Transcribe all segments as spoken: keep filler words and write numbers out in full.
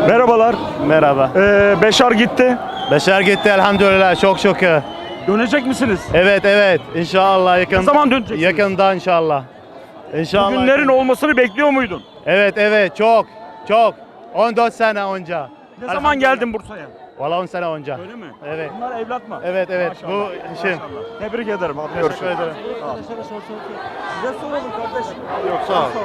Merhabalar. Merhaba. Ee, Beşar gitti. Beşer gitti elhamdülillah, çok şükür. Dönecek misiniz? Evet evet inşallah yakın. Ne zaman döneceksiniz? Yakında inşallah. İnşallah. Bugünlerin olmasını bekliyor muydun? Evet evet çok çok. on dört sene önce. Ne zaman geldin Bursa'ya? Valla on sene önce. Öyle mi? Evet. Bunlar evlat mı? Evet evet Maşallah. bu işim. Maşallah. Tebrik ederim. Abi. Teşekkür Görüşürüz. ederim. Size soralım kardeşim. Yok sağ ol.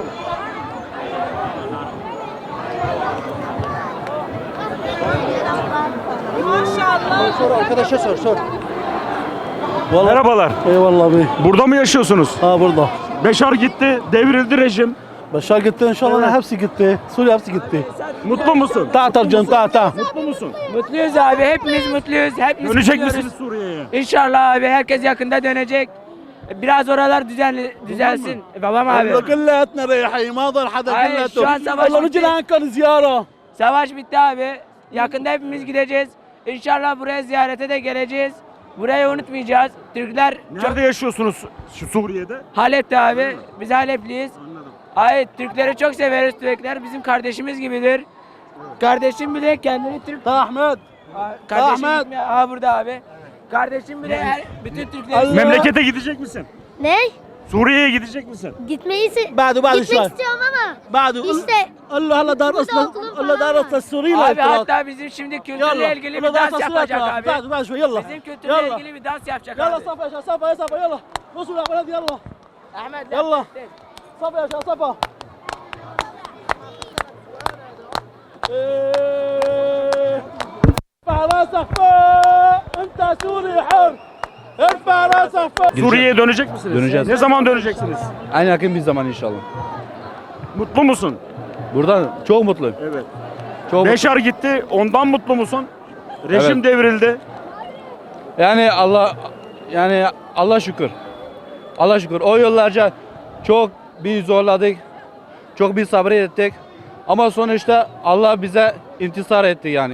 Maşallah. Sor arkadaşa sor sor. Merhabalar. Eyvallah abi. Burada mı yaşıyorsunuz? Ha burada. Beşar gitti. Devrildi rejim. Beşar gitti inşallah Evet. hepsi gitti. Suriye hepsi gitti. Mutlu musun? Ta tarcan ta ta. Mutlu musun? Mutluyuz abi, hepimiz mutluyuz. Hepimiz Dönecek mutluyuz. misiniz Suriye'ye? İnşallah abi, herkes yakında dönecek. Biraz oralar düzenli, düzelsin. Babam abi. Allah كلياتنا رايحين ما ضل حدا Hayır, كلياته. şu an savaş والله bitti. نجي لعنكم زياره. Savaş bitti abi. Yakında hepimiz gideceğiz. İnşallah buraya ziyarete de geleceğiz. Burayı unutmayacağız. Türkler çok... Nerede yaşıyorsunuz şu Suriye'de? Halep'te abi. Biz Halepliyiz. Anladım. Hayır, Türkleri çok severiz. Türkler bizim kardeşimiz gibidir. Kardeşim bile kendini Türk... تا احمد. Kardeşim Ahmet. gitmiyor. Aha burada abi. Kardeşim bile her, bütün Türkleri... Memlekete gidecek misin? Ne? Suriye'ye gidecek misin? Gitmeyi se- بعده بعده gitmek شوي. istiyorum ama بعده İşte قال له هلا دار burada اصلا okulum قال له falan دار var. اصلا السوري Abi hatta bizim şimdi kültürle ilgili bir دار dans اصلا yapacak abi. بعده بعده شوي يلا Bizim kültürle يلا ilgili bir dans yapacak يلا abi. صفا يا شباب صفا يا صفا يلا وصلوا يا ولد يلا Ahmet يلا صفا يا شباب صفا إيه. ارفع راسك فوق انت سوري حر ارفع راسك فوق Suriye'ye dönecek misiniz? Döneceğiz. Ne zaman döneceksiniz? En yakın bir zaman inşallah. Mutlu musun? Buradan çok mutluyum. Evet. Çok Beşar gitti. Ondan mutlu musun? Rejim Evet. devrildi. Yani Allah yani Allah şükür. Allah şükür. O yıllarca çok bir zorladık. Çok bir sabrettik. Ama sonuçta Allah bize intisar etti yani.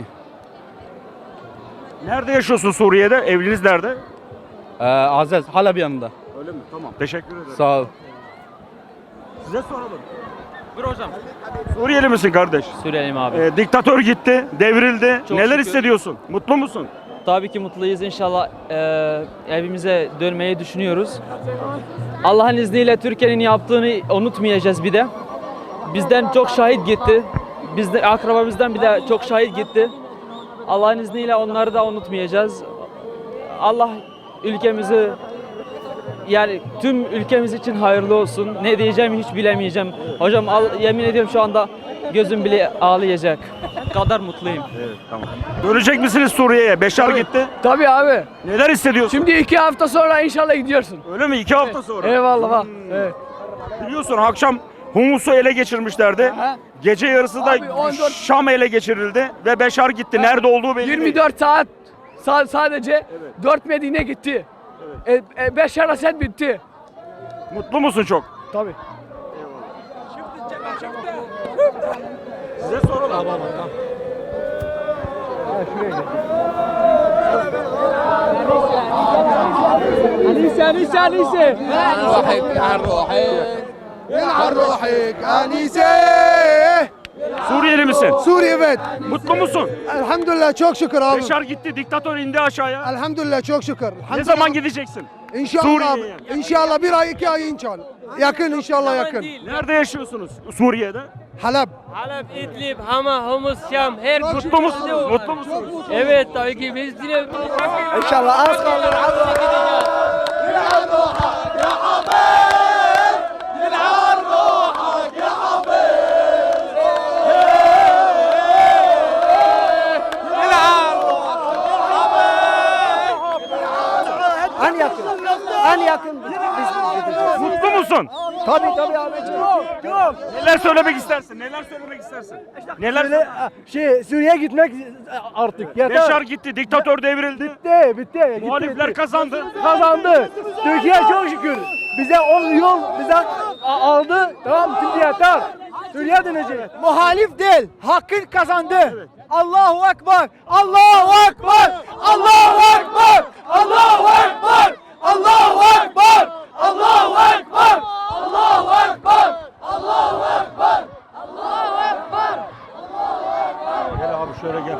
Nerede yaşıyorsun Suriye'de? Evliniz nerede? Ee, Aziz hala bir yanında. Öyle mi? Tamam. Teşekkür ederim. Sağ ol. Size soralım. Buyur hocam. Suriyeli misin kardeş? Suriyeliyim abi. Ee, diktatör gitti, devrildi. Çok Neler şükür. hissediyorsun? Mutlu musun? Tabii ki mutluyuz. İnşallah eee, evimize dönmeyi düşünüyoruz. Allah'ın izniyle Türkiye'nin yaptığını unutmayacağız bir de. Bizden çok şahit gitti. Bizde akrabamızdan bir de çok şahit gitti. Allah'ın izniyle onları da unutmayacağız. Allah ülkemizi yani tüm ülkemiz için hayırlı olsun. Ne diyeceğimi hiç bilemeyeceğim. Hocam al, yemin ediyorum şu anda gözüm bile ağlayacak. Kadar mutluyum. Dönecek misiniz Suriye'ye? Beşar gitti. Tabii abi. Neler hissediyorsun? Şimdi iki hafta sonra inşallah gidiyorsun. Öyle mi? İki hafta sonra. Eyvallah bak. Evet. Biliyorsun akşam Humus'u ele geçirmişlerdi. Aha. Gece yarısı da Abi on dört Şam ele geçirildi ve Beşar gitti. Nerede olduğu belli değil. yirmi dört saat sa- sadece dört Medine gitti. Evet. E, e, beş Arasat bitti. Mutlu musun çok? Tabii. Size soralım. Anise, Anise, Anise. روحك عن روحك عن روحك أنيسة. Suriyeli misin? Suriye evet. Mutlu musun? Elhamdülillah çok şükür abi. Beşar gitti, diktatör indi aşağıya. Elhamdülillah çok şükür. Ne zaman gideceksin? İnşallah Suriye'ye. abi. İnşallah bir ay iki ay inşallah. Yakın inşallah yakın. Nerede yaşıyorsunuz Suriye'de? Halep. Halep, İdlib, Hama, Humus, Şam, her Mutlu musunuz? Mutlu musunuz? Evet tabii ki biz yine İnşallah az kaldı. En yakın. En yakın biz gideceğiz. Mutlu musun? Tabii tabii abiciğim. Yok. Neler söylemek istersin? Neler söylemek istersin? Neler Böyle şey Suriye'ye gitmek artık yeter. Beşar gitti, diktatör devrildi. Bitti, bitti. Gitti, Muhalifler bitti. kazandı. Kazandı. Türkiye çok şükür. Bize on yol bize a- aldı. Tamam şimdi yeter. Suriye dönecek. Muhalif değil. Hakkın kazandı. Allahu Ekber. Allahu Ekber. Allahu Ekber. Allahu Ekber. Allahu Ekber. Allahu Ekber. Allahu Ekber. Allahu Ekber. Allahu Ekber. şöyle gel.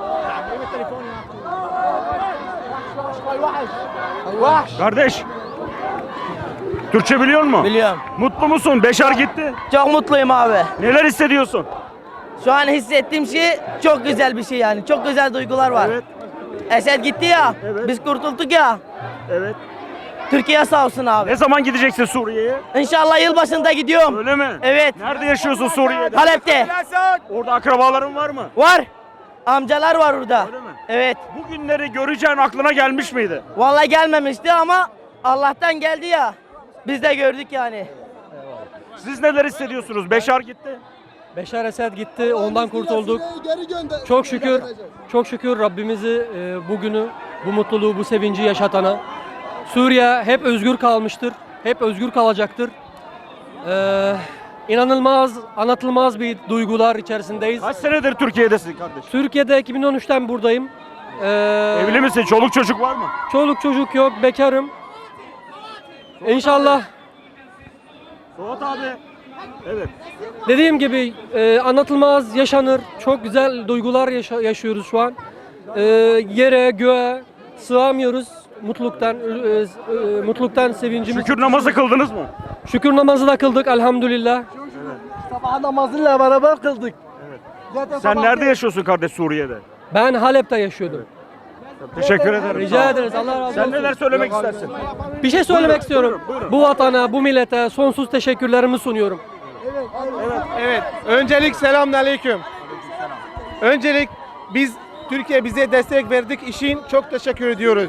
Kardeş. Türkçe biliyor musun? Biliyorum. Mutlu musun? Beşar gitti. Çok mutluyum abi. Neler hissediyorsun? Şu an hissettiğim şey çok güzel bir şey yani. Çok güzel duygular var. Evet. Esed gitti ya. Evet. Biz kurtulduk ya. Evet. Türkiye sağ olsun abi. Ne zaman gideceksin Suriye'ye? İnşallah yılbaşında gidiyorum. Öyle mi? Evet. Nerede yaşıyorsun Suriye'de? Halep'te. Orada akrabaların var mı? Var. Amcalar var orada. Öyle mi? Evet. Bu günleri göreceğin aklına gelmiş miydi? Vallahi gelmemişti ama Allah'tan geldi ya. Biz de gördük yani. Siz neler hissediyorsunuz? Beşar gitti. Beşar Esed gitti, ondan kurtulduk. Çok şükür, çok şükür Rabbimizi e, bugünü, bu mutluluğu, bu sevinci yaşatana. Suriye hep özgür kalmıştır, hep özgür kalacaktır. Ee, inanılmaz, anlatılmaz bir duygular içerisindeyiz. Kaç senedir Türkiye'desin kardeş? Türkiye'de iki bin on üçten buradayım. Ee, Evli misin? Çoluk çocuk var mı? Çoluk çocuk yok, bekarım. İnşallah. Suat abi. Evet. Dediğim gibi e, anlatılmaz yaşanır. Çok güzel duygular yaşa- yaşıyoruz şu an. E, yere, göğe sığamıyoruz mutluluktan, e, e, mutluluktan sevincimiz. Şükür namazı kıldınız mı? Şükür namazı da kıldık elhamdülillah. Sabah namazıyla beraber kıldık. Zaten Sen sabah- nerede yaşıyorsun kardeş Suriye'de? Ben Halep'te yaşıyordum. Teşekkür ederim. Rica ederiz. Allah razı olsun. Sen neler söylemek istersin? Bir şey söylemek Buyurun, istiyorum. buyurun, buyurun. Bu vatana, bu millete sonsuz teşekkürlerimi sunuyorum. Evet. Öncelik selamünaleyküm. Öncelik biz Türkiye bize destek verdik işin çok teşekkür ediyoruz.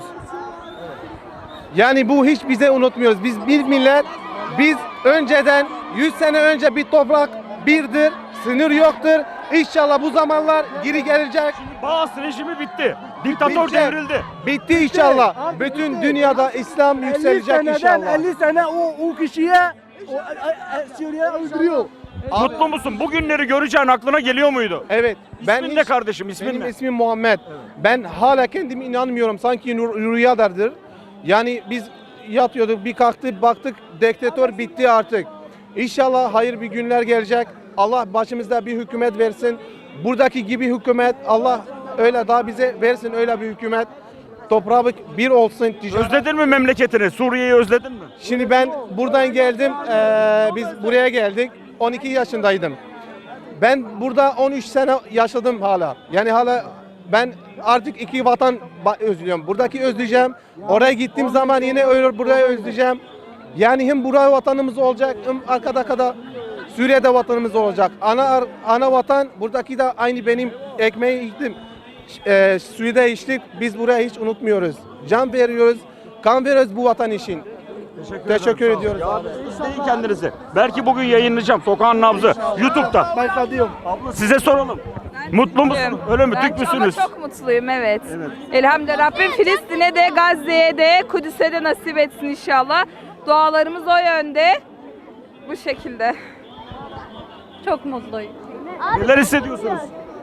Yani bu hiç bize unutmuyoruz. Biz bir millet, biz önceden yüz sene önce bir toprak birdir, sınır yoktur. İnşallah bu zamanlar geri gelecek. Baas rejimi bitti. Diktatör Bitti. devrildi. Bitti inşallah. Bütün dünyada İslam elli yükselecek seneden inşallah. elli sene o, o kişiye o, e, e, Suriye öldürüyor. Mutlu musun? Bu günleri göreceğin aklına geliyor muydu? Evet. İsmin ne kardeşim? İsmin Benim ne? ismim Muhammed. Ben hala kendime inanmıyorum. Sanki rü- rüyadardır. Yani biz yatıyorduk, bir kalktık, baktık diktatör bitti artık. İnşallah hayır bir günler gelecek. Allah başımızda bir hükümet versin. Buradaki gibi hükümet Allah öyle daha bize versin öyle bir hükümet. Toprağı bir olsun. ticaret- Özledin mi memleketini? Suriye'yi özledin mi? Şimdi ben buradan geldim. Eee, biz buraya geldik. on iki yaşındaydım. Ben burada on üç sene yaşadım hala. Yani hala ben artık iki vatan ba- özlüyorum. Buradaki özleyeceğim. Oraya gittiğim zaman yine öyle buraya özleyeceğim. Yani hem buraya vatanımız olacak hem arkada kadar Suriye'de vatanımız olacak. Ana ar- ana vatan buradaki de aynı benim ekmeği içtim. Eee suyu da içtik. Biz buraya hiç unutmuyoruz. Can veriyoruz. Kan veriyoruz bu vatan için. Teşekkür ediyoruz. Ya izleyin kendinizi. Belki bugün yayınlayacağım. Sokağın nabzı. YouTube'da. Ben diyorum. Abla size soralım. Mutlu musunuz? Öyle mi? Türk müsünüz? Ama çok mutluyum, evet. Elhamdülillah Rabbim Filistin'e de, Gazze'ye de, Kudüs'e de nasip etsin inşallah. Dualarımız o yönde. Bu şekilde. Çok mutluyum. Neler hissediyorsunuz?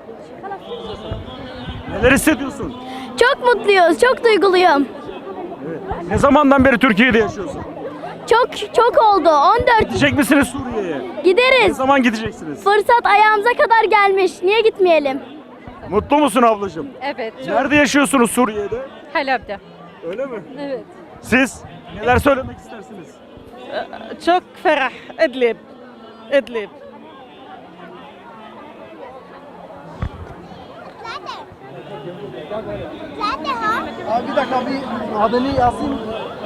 Neler hissediyorsun? Çok mutluyuz, çok duyguluyum. Ne zamandan beri Türkiye'de yaşıyorsun? Çok çok oldu. on dört Gidecek misiniz Suriye'ye? Ne gideriz. zaman gideceksiniz? Fırsat ayağımıza kadar gelmiş. Niye gitmeyelim? Mutlu musun ablacığım? Evet, Nerede yaşıyorsunuz Suriye'de? Halep'te. Öyle mi? Evet. Siz neler söylemek istersiniz? Çok ferah, Idlib. Idlib. Abi bir dakika bir adını yazayım.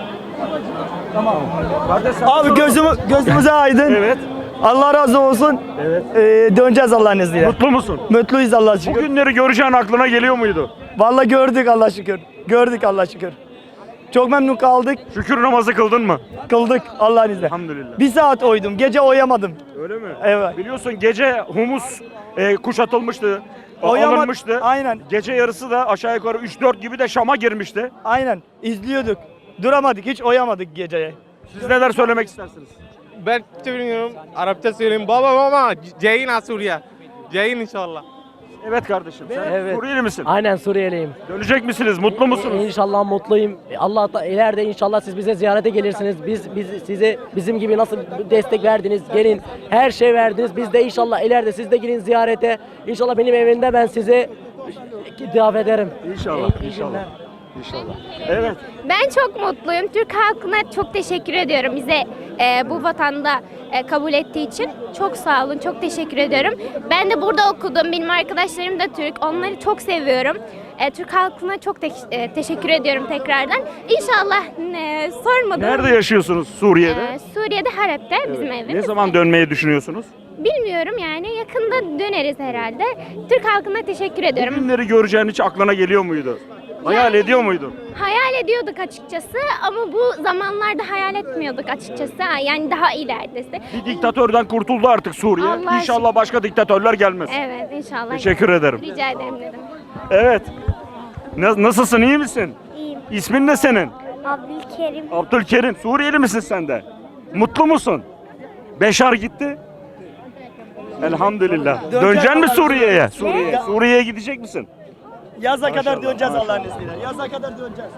Kardeş, Abi gözümü, gözümüze aydın. Evet. Allah razı olsun. Evet. Ee, döneceğiz Allah'ın izniyle. Mutlu musun? Mutluyuz Allah'a Bu şükür. günleri göreceğin aklına geliyor muydu? Vallahi gördük Allah şükür. Gördük Allah şükür. Çok memnun kaldık. Şükür namazı kıldın mı? Kıldık Allah'ın izniyle. Elhamdülillah. Bir saat uyudum. Gece uyuyamadım. Öyle mi? Evet. Biliyorsun gece humus e, kuşatılmıştı. Uyuyama- Alınmıştı. Aynen. Gece yarısı da aşağı yukarı üç dört gibi de Şam'a girmişti. Aynen. İzliyorduk. Duramadık. Hiç uyuyamadık geceye. Siz neler söylemek istersiniz? Ben söylüyorum. Arapça söyleyeyim. Baba baba. Ceyin Suriye. Ceyin inşallah. Evet kardeşim. Sen Evet. Suriyeli misin? Aynen Suriyeliyim. Dönecek misiniz? Mutlu musunuz? İnşallah mutluyum. Allah da ileride inşallah siz bize ziyarete gelirsiniz. Biz biz size bizim gibi nasıl destek verdiniz, gelin her şey verdiniz. Biz de inşallah ileride siz de gelin ziyarete. İnşallah benim evimde ben size davet ederim. İnşallah, inşallah. İnşallah. Evet. Ben çok mutluyum. Türk halkına çok teşekkür ediyorum. Bize e, bu vatanda e, kabul ettiği için. Çok sağ olun. Çok teşekkür ediyorum. Ben de burada okudum. Benim arkadaşlarım da Türk. Onları çok seviyorum. E, Türk halkına çok te- e, teşekkür ediyorum tekrardan. İnşallah e, sormadım. Nerede yaşıyorsunuz Suriye'de? E, Suriye'de Halep'te bizim Evet. evimiz. Ne zaman dönmeyi düşünüyorsunuz? Bilmiyorum yani yakında döneriz herhalde. Türk halkına teşekkür ediyorum. Günleri göreceğin hiç aklına geliyor muydu? Hayal Yani- ediyor muydun? Hayal ediyorduk açıkçası ama bu zamanlarda hayal etmiyorduk açıkçası. Yani daha ileridesi. Bir diktatörden kurtuldu artık Suriye. Allah İnşallah başka diktatörler gelmez. Evet inşallah. Teşekkür ederim. Rica ederim dedim. Evet. Na- Nasılsın, iyi misin? İyiyim. İsmin ne senin? Abdülkerim. Abdülkerim. Suriyeli misin sen de? Mutlu musun? Beşar gitti. Elhamdülillah. Döneceksin mi Suriye'ye? Suriye. Suriye'ye gidecek misin? Yaza Maşallah, kadar döneceğiz maşallah. Allah'ın izniyle. Yaza kadar döneceğiz.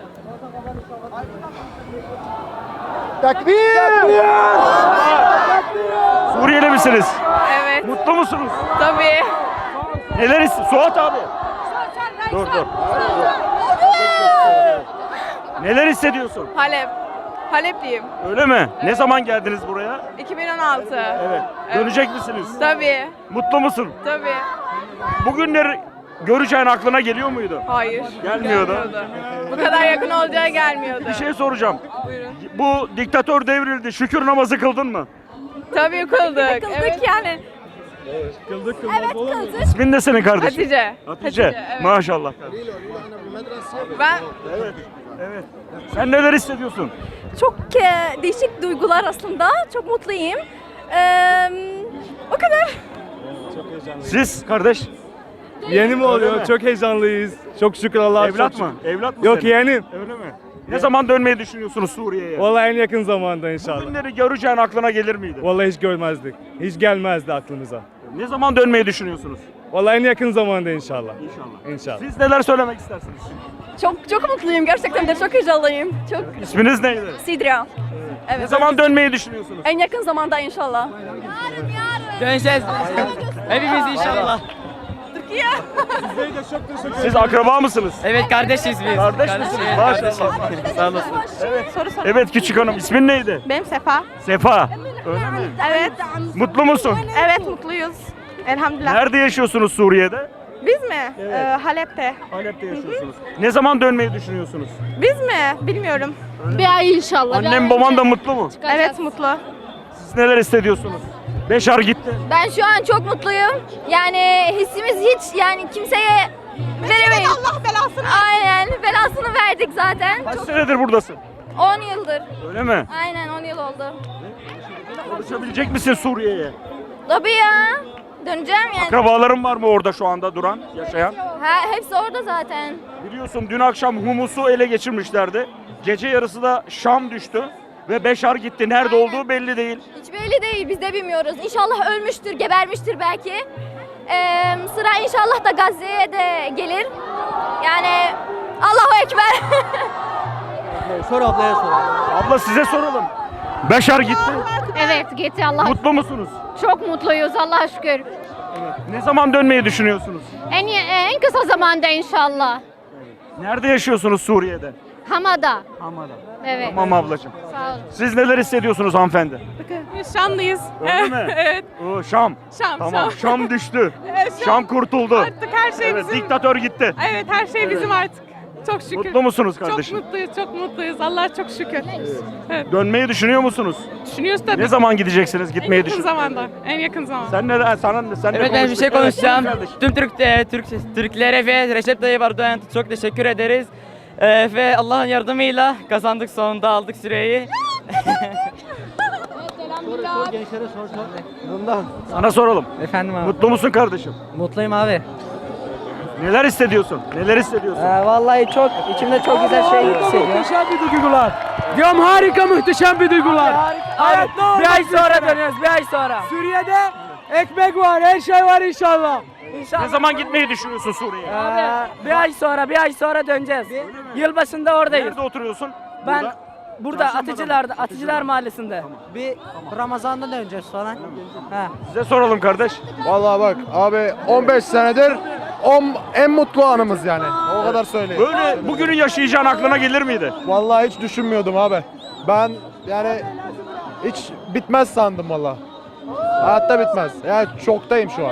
Suriyeli misiniz? Evet. Mutlu musunuz? Tabii. Neler ist- Suat abi. Dur dur. Neler hissediyorsun? Halep. Halepliyim. Öyle mi? Ne zaman geldiniz buraya? iki bin on altı. Evet. Dönecek misiniz? Tabii. Mutlu musun? Tabii. Bugünleri göreceğin aklına geliyor muydu? Hayır. Gelmiyordu. Bu kadar yakın olacağı gelmiyordu. Bir şey soracağım. Buyurun. Bu diktatör devrildi. Şükür namazı kıldın mı? Tabii kıldık. Kıldık yani. İsmin ne senin kardeşim? Hatice. Hatice. evet. Maşallah. Ben Evet. Evet. Sen neler hissediyorsun? çok e, değişik duygular aslında. Çok mutluyum. Ee, o kadar. Siz kardeş? Yeni mi Öyle mi? Çok heyecanlıyız. Çok şükür Allah'a. Evlat mı? Evlat mı Yok senin? yeğenim. Öyle mi? Ne zaman dönmeyi düşünüyorsunuz Suriye'ye? Vallahi en yakın zamanda inşallah. Bugünleri göreceğin aklına gelir miydi? Vallahi hiç görmezdik. Hiç gelmezdi aklımıza. Ne zaman dönmeyi düşünüyorsunuz? Vallahi en yakın zamanda inşallah. İnşallah. İnşallah. Siz neler söylemek istersiniz? Çok çok mutluyum. Gerçekten de çok heyecanlıyım. Çok. İsminiz neydi? Sidra. Ne Evet. zaman dönmeyi düşünüyorsunuz? En yakın zamanda inşallah. Döneceğiz. Hepimiz inşallah. Türkiye. Siz akraba mısınız? Evet kardeşiz biz. Kardeş misiniz? Maşallah. Sağ olasın. Soru sor. Evet küçük hanım, ismin neydi? Benim Sefa. Sefa. Öyle mi? Evet. Mutlu musun? Evet mutluyuz. Elhamdülillah. Nerede yaşıyorsunuz Suriye'de? Biz mi? Evet. Ee, Halep'te. Halep'te yaşıyorsunuz. Ne zaman dönmeyi düşünüyorsunuz? Biz mi? Bilmiyorum. Bir ay inşallah. Annem baban da mutlu mu? Evet mutlu. Siz neler hissediyorsunuz? Beşar gitti. Ben şu an çok mutluyum. Yani hissimiz hiç yani kimseye veremeyiz. Allah belasını. Aynen belasını verdik zaten. Kaç senedir buradasın? on yıldır. Öyle mi? Aynen on yıl oldu. Konuşabilecek misin Suriye'ye? Tabii ya. Döneceğim yani. Akrabaların var mı orada şu anda duran, yaşayan? Ha, hepsi orada zaten. Biliyorsun dün akşam Humus'u ele geçirmişlerdi. Gece yarısı da Şam düştü ve Beşar gitti. Nerede olduğu belli değil. Hiç belli değil biz de bilmiyoruz. İnşallah ölmüştür, gebermiştir belki. Ee, sıra inşallah da Gazze'ye de gelir. Yani Allahu Ekber. Sor ablaya sor. Abla size soralım. Beşar gitti. Evet gitti Allah. Mutlu musunuz? Çok mutluyuz Allah'a şükür. Ne zaman dönmeyi düşünüyorsunuz? En en kısa zamanda inşallah. Nerede yaşıyorsunuz Suriye'de? Hamada. Hamada. Evet. Tamam ablacığım. Sağ olun. Siz neler hissediyorsunuz hanımefendi? Şanlıyız. Öyle mi? Evet. Oo, Şam. Şam. Tamam. Şam düştü. Evet, Şam kurtuldu. Artık her şey Evet, bizim. diktatör gitti. Evet her şey bizim artık. Çok şükür. Mutlu musunuz kardeşim? Çok mutluyuz, çok mutluyuz. Allah çok şükür. Dönmeyi düşünüyor musunuz? Düşünüyoruz tabii. Ne zaman gideceksiniz? Gitmeyi En yakın düşün. zamanda. En yakın zamanda. Sen ne sana sen Evet ne ben bir şey konuştun? Evet, konuşacağım. buyur kardeşim. Tüm Türk, e, Türk Türklere ve Recep Tayyip Erdoğan'a çok teşekkür ederiz. E, ve Allah'ın yardımıyla kazandık, sonunda aldık süreyi. Sor gençlere sor sor. Sana soralım. Efendim abi. Mutlu musun kardeşim? Mutluyum abi. Neler hissediyorsun? Neler hissediyorsun? Ee, vallahi çok içimde çok güzel şey hissediyorum. Muhteşem bir duygular. Diyorum harika muhteşem bir duygular. Hayat ne olur Bir ay sonra bizlere. dönüyoruz, bir ay sonra. Suriye'de ekmek var, her şey var inşallah. Ne zaman gitmeyi düşünüyorsun Suriye'ye? Ee, bir ay sonra, bir ay sonra döneceğiz. Yılbaşında oradayız. Nerede oturuyorsun? Ben Burada. burada Çarşamba'da Atıcılar'da, mı? Atıcılar Mahallesi'nde. Bir Ramazan'da döneceğiz sonra. He. Size soralım kardeş. Vallahi bak abi on beş senedir o en mutlu anımız yani. O kadar söyleyeyim. Böyle bugünü yaşayacağın aklına gelir miydi? Vallahi hiç düşünmüyordum abi. Ben yani hiç bitmez sandım vallahi. Hayatta bitmez. Yani şoktayım şu an.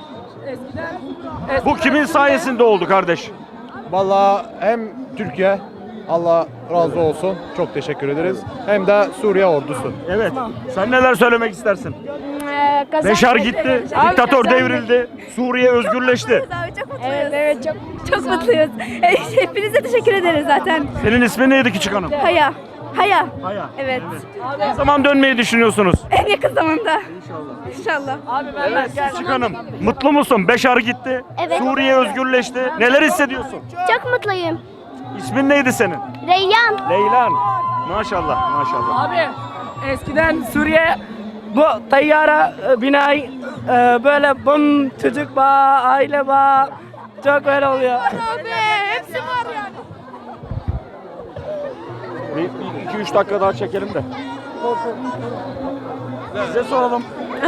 Bu kimin sayesinde oldu kardeş? Vallahi hem Türkiye, Allah razı olsun, çok teşekkür ederiz. Hem de Suriye ordusu. Evet. Sen neler söylemek istersin? Beşar gitti, diktatör devrildi, Suriye özgürleşti. Evet, evet çok çok mutluyuz. Hepinize teşekkür ederiz zaten. Senin ismin neydi küçük hanım? Haya. Haya. Haya. Evet. Ne zaman dönmeyi düşünüyorsunuz? En yakın zamanda. İnşallah. İnşallah. Evet küçük hanım. Mutlu musun? Beşar gitti, Evet. Suriye özgürleşti. Neler hissediyorsun? Çok mutluyum. İsmin neydi senin? Reyyan. Leylan. Maşallah, maşallah. Abi eskiden Suriye bu tayyara e, binayı e, böyle bum çocuk bağ, aile bağ çok böyle oluyor. Abi hepsi var yani. Bir iki üç dakika daha çekelim de. Size soralım.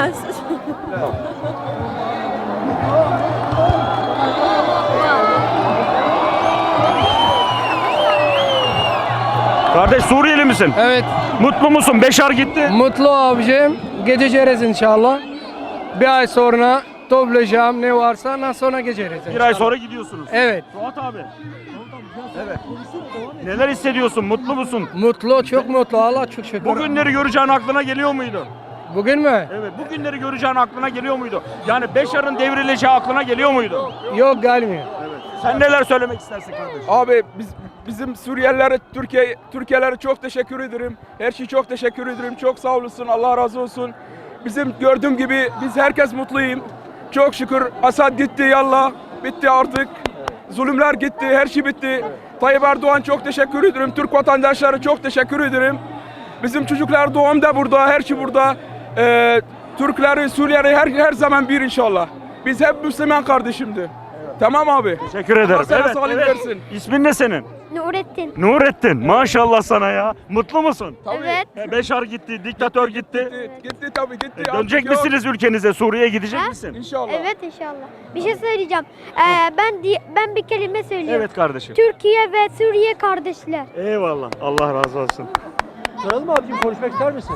Kardeş Suriyeli misin? Evet. Mutlu musun? Beşar gitti. Mutlu abicim. Geçeceğiz inşallah. Bir ay sonra toplayacağım ne varsa ondan sonra geçeriz. Bir ay sonra gidiyorsunuz. Evet. Suat abi. Evet. Neler hissediyorsun? Mutlu musun? Mutlu, çok mutlu. Allah çok şükür. Bu günleri göreceğin aklına geliyor muydu? Bugün mü? Evet. Bu günleri göreceğin aklına geliyor muydu? Yani Beşar'ın devrileceği aklına geliyor muydu? Yok gelmiyor. Evet. Sen neler söylemek istersin kardeşim? Abi biz bizim Suriyelilere, Türkiye Türkiye'lere çok teşekkür ederim. Her şey çok teşekkür ederim. Çok sağ olasın. Allah razı olsun. Bizim gördüğüm gibi biz herkes mutluyum. Çok şükür Asad gitti yallah. Bitti artık. Zulümler gitti. Her şey bitti. Tayyip Erdoğan çok teşekkür ederim. Türk vatandaşları çok teşekkür ederim. Bizim çocuklar doğum da burada. Her şey burada. Ee, Türkleri, Suriyeli her, her zaman bir inşallah. Biz hep Müslüman kardeşimdi. Tamam abi. Teşekkür ederim. Allah sana Evet, sağlık evet. versin. İsmin ne senin? Nurettin. Nurettin. Maşallah sana ya. Mutlu musun? Evet. He, Beşar gitti, diktatör gitti. Gitti, gitti tabii gitti. E, Dönecek Artık yok. misiniz ülkenize? Suriye'ye gidecek misin? İnşallah. Evet inşallah. Bir şey söyleyeceğim. Ee, ben di- ben bir kelime söyleyeyim. Evet kardeşim. Türkiye ve Suriye kardeşler. Eyvallah. Allah razı olsun. Soralım mı abicim, konuşmak ister misin?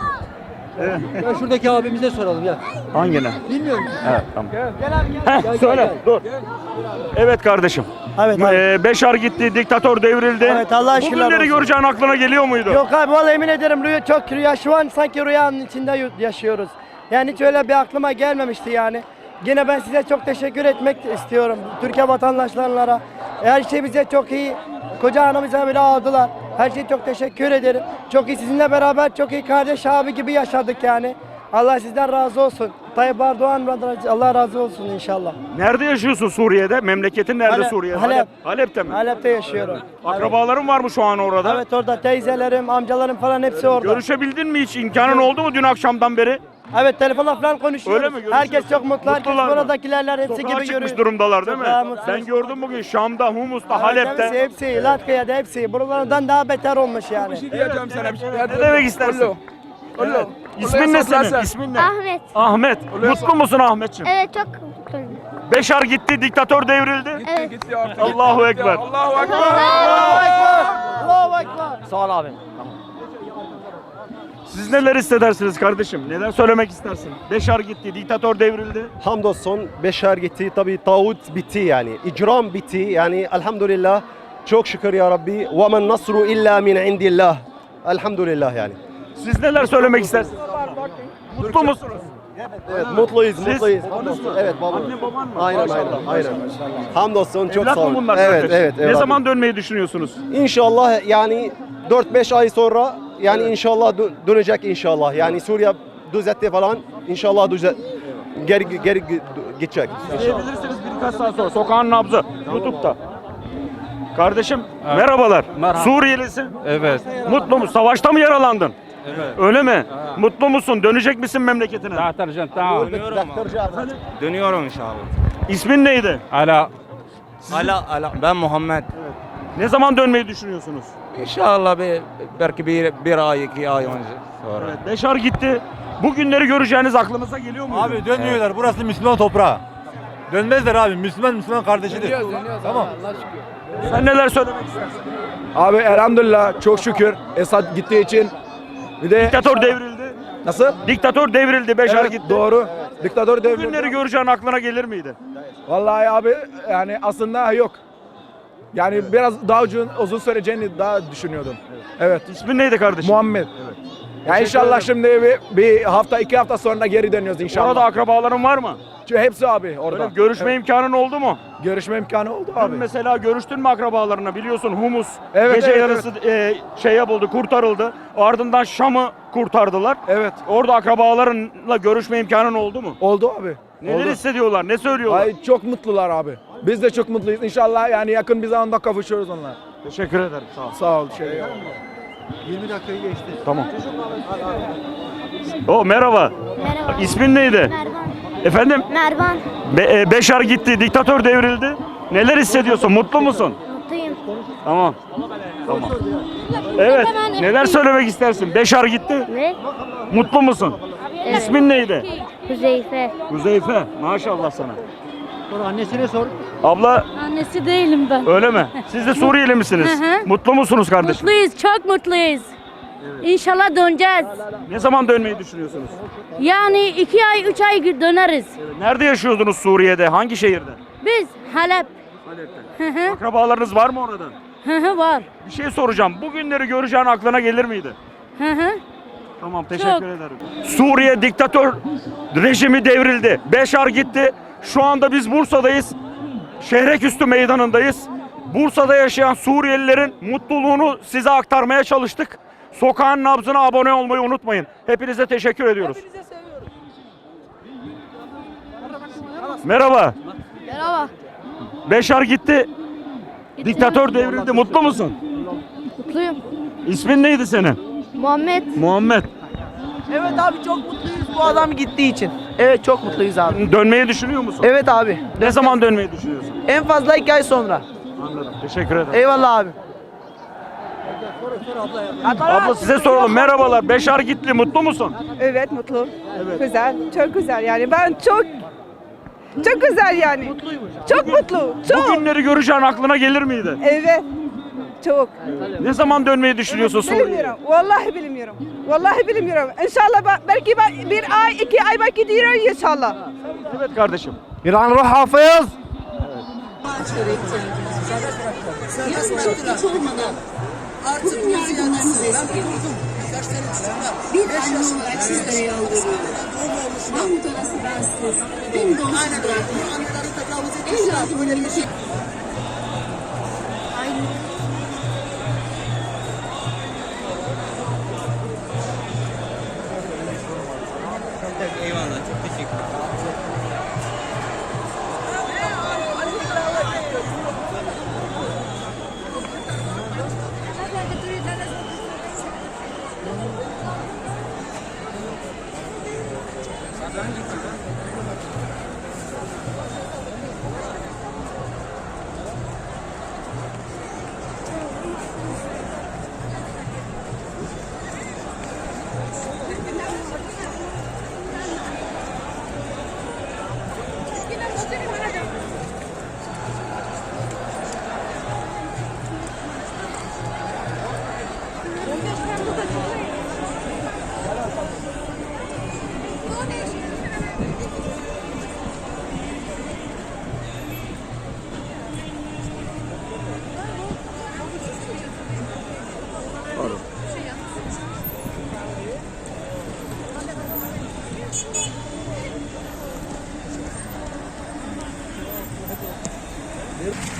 Evet. Ya şuradaki abimize soralım ya. Hangine? Bilmiyorum. Evet tamam. Heh, söyle. Dur. Evet kardeşim. Evet abi. Ee, Beşar gitti, diktatör devrildi. Evet, Allah Bu şükürler günleri olsun. göreceğin aklına geliyor muydu? Yok abi vallahi emin ederim rüya çok rüya şu an sanki rüyanın içinde yaşıyoruz. Yani hiç öyle bir aklıma gelmemişti yani. Yine ben size çok teşekkür etmek istiyorum. Türkiye vatandaşlarına. Her şey bize çok iyi. Koca anamıza bile aldılar. Her şey çok teşekkür ederim. Çok iyi sizinle beraber çok iyi kardeş abi gibi yaşadık yani. Allah sizden razı olsun. Tayyip Erdoğan Allah razı olsun inşallah. Nerede yaşıyorsun Suriye'de? Memleketin nerede Halep, Suriye'de? Halep. Halep'te mi? Halep'te yaşıyorum. Akrabaların var mı şu an orada? Evet orada teyzelerim, amcalarım falan hepsi orada. Görüşebildin mi hiç? İmkanın oldu mu dün akşamdan beri? Evet telefonla falan konuşuyoruz. Öyle mi? Görüşüyorsun. Herkes çok mutlu. Herkes Mutlular mı? buradakilerler hepsi Sokağa gibi çıkmış görüyor. durumdalar değil mi? Sokağa mutlu. Ben gördüm bugün Şam'da, Humus'ta, Evet, Halep'te. Hepsi, hepsi, Latkıya'da hepsi. Buralardan daha beter olmuş yani. Bir şey diyeceğim sana. Bir şey. Ne demek istersin? Ollo. Evet. İsmin ne senin? İsmin ne? Ahmet. Ahmet. Mutlu musun Ahmetciğim? Evet çok mutluyum. Beşar gitti, diktatör devrildi. Gitti Evet. gitti artık. Allahu Gitti. Ekber. Allahu Ekber. Allahu Ekber. Allahu Ekber. Sağ ol abi. Siz neler hissedersiniz kardeşim? Neler söylemek istersin? Beşar gitti, diktatör devrildi. Hamdolsun Beşar gitti. Tabii tağut bitti yani. İcram bitti. Yani elhamdülillah. Çok şükür ya Rabbi. Ve men nasru illa min indillah. Elhamdülillah yani. Siz neler söylemek istersiniz? Mutlu musunuz? Evet mutluyuz, Siz? mutluyuz. Hamdolsun. Evet baba. Anne baban mı? Aynen aynen. Maşallah, aynen. Hamdolsun çok Evlat sağ mı olun. bunlar Evet kardeşim? evet. Ne evladım. zaman dönmeyi düşünüyorsunuz? İnşallah yani dört beş ay sonra yani inşallah dö- dönecek inşallah. Yani Suriye düzeltti falan inşallah düzelt geri geri gi- gidecek. İzleyebilirsiniz birkaç saat sonra. Sokağın nabzı. YouTube'da. Kardeşim merhabalar. Merhaba. Suriyelisin. Evet. Mutlu musun? Savaşta mı yaralandın? Evet. Öyle mi? Mutlu musun? Dönecek misin memleketine? Tamam. Dönüyorum. Dönüyorum inşallah. İsmin neydi? Ala. Ala, ala. Ben Muhammed. Ne zaman dönmeyi düşünüyorsunuz? İnşallah bir, belki bir, bir ay, iki ay önce sonra. Evet, Beşar gitti. Bu günleri göreceğiniz aklınıza geliyor mu? Abi dönmüyorlar. Burası Müslüman toprağı. Dönmezler abi. Müslüman Müslüman kardeşidir. Tamam. Sen neler söylemek istersin? Abi elhamdülillah çok şükür Esad gittiği için. Bir de Diktatör devrildi. nasıl? Diktatör devrildi. Beşar Evet, gitti. doğru. Diktatör Bu devrildi. günleri göreceğin aklına gelir miydi? Vallahi abi yani aslında yok. Yani biraz daha uzun, uzun süreceğini daha düşünüyordum. Evet. İsmin neydi kardeşim? Muhammed. Ya inşallah şimdi bir, bir hafta iki hafta sonra geri dönüyoruz inşallah. Orada akrabaların var mı? Çünkü hepsi abi orada. Öyle görüşme Evet. imkanın oldu mu? Görüşme imkanı oldu Dün abi. mesela görüştün mü akrabalarına? Biliyorsun Humus Evet, gece evet, yarısı e, şey yapıldı, kurtarıldı. Ardından Şam'ı kurtardılar. Evet. Orada akrabalarınla görüşme imkanın oldu mu? Oldu abi. Neler Oldu. hissediyorlar? Ne söylüyorlar? Ay çok mutlular abi. Biz de çok mutluyuz. İnşallah yani yakın bir zamanda kavuşuyoruz onunla. Teşekkür ederim. Sağ ol. Sağ ol. Şey. yirmi dakikayı geçti. Tamam. O merhaba. Merhaba. İsmin neydi? Mervan. Efendim? Mervan. Be- e, Beşar gitti, diktatör devrildi. Neler hissediyorsun? Mutlu musun? Mutluyum. Tamam. Tamam. Evet. Neler söylemek istersin? Beşar gitti. Ne? Mutlu musun? Evet. İsmin neydi? Huzeyfe. Huzeyfe. Maşallah sana. Annesine sor. Abla Annesi değilim ben. öyle mi? Siz de Suriyeli misiniz? Hı hı. Mutlu musunuz kardeşim? Mutluyuz, çok mutluyuz. İnşallah döneceğiz. Ne zaman dönmeyi düşünüyorsunuz? Yani iki ay, üç ay döneriz. Nerede yaşıyordunuz Suriye'de? Hangi şehirde? Biz Halep. Hı hı. Akrabalarınız var mı orada? Hı hı var. Bir şey soracağım. Bu günleri göreceğin aklına gelir miydi? Hı hı. Tamam, teşekkür ederim. Suriye diktatör rejimi devrildi. Beşar gitti. Şu anda biz Bursa'dayız. Şehreküstü meydanındayız. Bursa'da yaşayan Suriyelilerin mutluluğunu size aktarmaya çalıştık. Sokağın nabzına abone olmayı unutmayın. Hepinize teşekkür ediyoruz. Merhaba. Merhaba. Beşar gitti. Diktatör devrildi. Mutlu musun? Mutluyum. İsmin neydi senin? Muhammed. Muhammed. Evet abi çok mutluyuz bu adam gittiği için. Evet çok mutluyuz abi. Dönmeyi düşünüyor musun? Evet abi. Ne zaman dönmeyi düşünüyorsun? En fazla iki ay sonra. Anladım. Teşekkür ederim. Eyvallah abi. Abla size soralım. Merhabalar. Beşar gitti. Mutlu musun? Evet mutlu. Evet. Güzel. Çok güzel yani. Ben çok çok güzel yani. Çok mutlu. Bu Çok. günleri göreceğin aklına gelir miydi? Evet. Çok. Ne zaman dönmeyi düşünüyorsun Suriye'ye? Bilmiyorum. Vallahi bilmiyorum. Vallahi bilmiyorum. İnşallah ben- belki ben bir ay, iki ay belki diyorum inşallah. Evet kardeşim. Bir an ruh hafız. Hiç olmadan artık yardımlarınızı esirgedik. Bir anne olarak sizlere yalvarıyorum. Ben mutalası bensiz, beni donsuz bırakmayın. Evladımın için... Eyvallah, çok teşekkür ederim. Pardon.